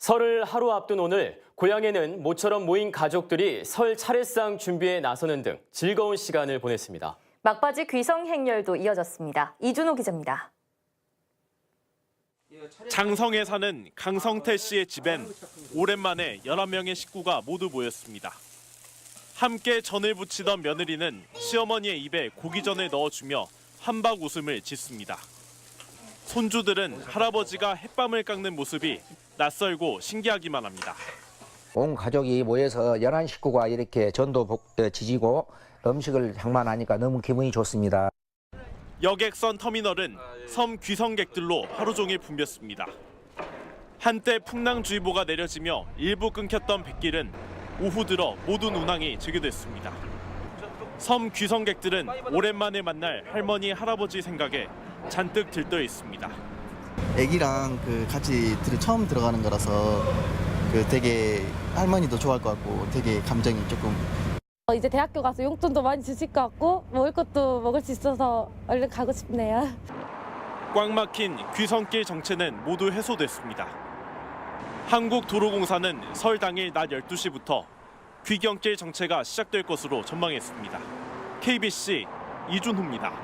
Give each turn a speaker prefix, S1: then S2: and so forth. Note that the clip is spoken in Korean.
S1: 설을 하루 앞둔 오늘 고향에는 모처럼 모인 가족들이 설 차례상 준비에 나서는 등 즐거운 시간을 보냈습니다.
S2: 막바지 귀성 행렬도 이어졌습니다. 이준호 기자입니다.
S3: 장성에 사는 강성태 씨의 집엔 오랜만에 11명의 식구가 모두 모였습니다. 함께 전을 부치던 며느리는 시어머니의 입에 고기전을 넣어주며 한박 웃음을 짓습니다. 손주들은 할아버지가 햇밤을 깎는 모습이 낯설고 신기하기만 합니다.
S4: 온 가족이 모여서 11식구가 이렇게 전도 지지고 음식을 장만하니까 너무 기분이 좋습니다.
S3: 여객선 터미널은 섬 귀성객들로 하루 종일 붐볐습니다. 한때 풍랑주의보가 내려지며 일부 끊겼던 뱃길은 오후 들어 모든 운항이 재개됐습니다. 섬 귀성객들은 오랜만에 만날 할머니, 할아버지 생각에 잔뜩 들떠 있습니다.
S5: 애기랑 같이 처음 들어가는 거라서 되게 할머니도 좋아할 것 같고 되게 감정이 조금.
S6: 이제 대학교 가서 용돈도 많이 주실 것 같고 먹을 것도 먹을 수 있어서 얼른 가고 싶네요.
S3: 꽉 막힌 귀성길 정체는 모두 해소됐습니다. 한국도로공사는 설 당일 낮 12시부터 귀경길 정체가 시작될 것으로 전망했습니다. KBC 이준호입니다.